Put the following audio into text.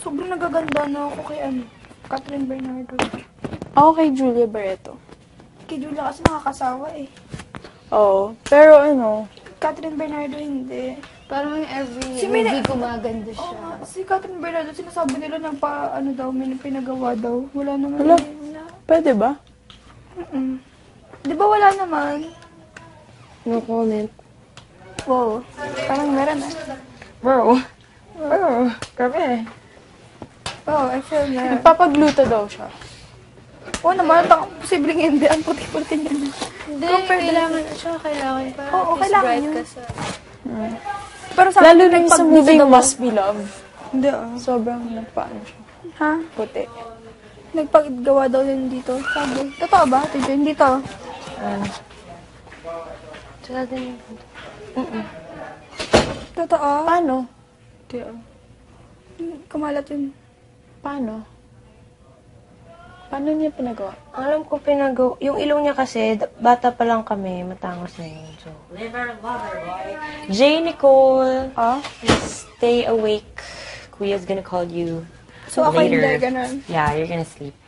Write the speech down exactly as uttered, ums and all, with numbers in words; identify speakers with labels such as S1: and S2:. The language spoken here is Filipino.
S1: sobrang nagaganda na ako kay ano, Catherine Bernardo.
S2: Ako kay Julia Barreto.
S1: Kay Julia kasi nakakasawa eh.
S2: Oo. Pero ano,
S1: Catherine Bernardo hindi.
S3: Parang every
S1: Si
S3: movie
S1: Mina-
S3: gumaganda
S1: Oo
S3: siya.
S1: nga, si Catherine Bernardo, sinasabi nila nagpa, ano daw, may pinagawa daw. Wala naman.
S2: Wala.
S1: eh, Wala.
S2: pwede ba?
S1: Mm-mm. Di ba wala naman?
S3: No comment.
S1: Wow. Parang meron ah.
S2: Bro. Bro. Grabe.
S1: Oo, I feel na.
S2: Nagpapagluto daw siya.
S1: Oo naman, baka posibleng hindi. Ang puti-puti niya na.
S3: Hindi,
S1: Compared
S3: kailangan siya, kailangan para
S1: Oo,
S3: at least
S1: kailangan
S3: bright
S1: yun.
S3: ka sa...
S1: Pero sa
S2: Lalo
S1: akin,
S2: na yung sa
S1: pag
S2: movie
S1: dito daw-
S2: Must Be Love.
S1: Hindi ah.
S2: Sobrang nagpaano siya.
S1: Ha?
S2: Puti.
S1: Nagpagawa daw yun dito. Sabi. Totoo ba? Tito, hindi to.
S2: Ano?
S3: Tsaka din
S1: Totoo?
S2: Paano? Di, ah.
S1: Kumalat yun.
S2: Paano? Paano niya pinagawa?
S4: Alam ko pinagaw... Yung ilong niya kasi, d- bata pa lang kami, matangos na yun. So, J. Nicole,
S2: Ah?
S4: stay awake. Kuya's gonna call you
S1: So ako
S4: later.
S1: hindi, ganun.
S4: Yeah, you're gonna sleep.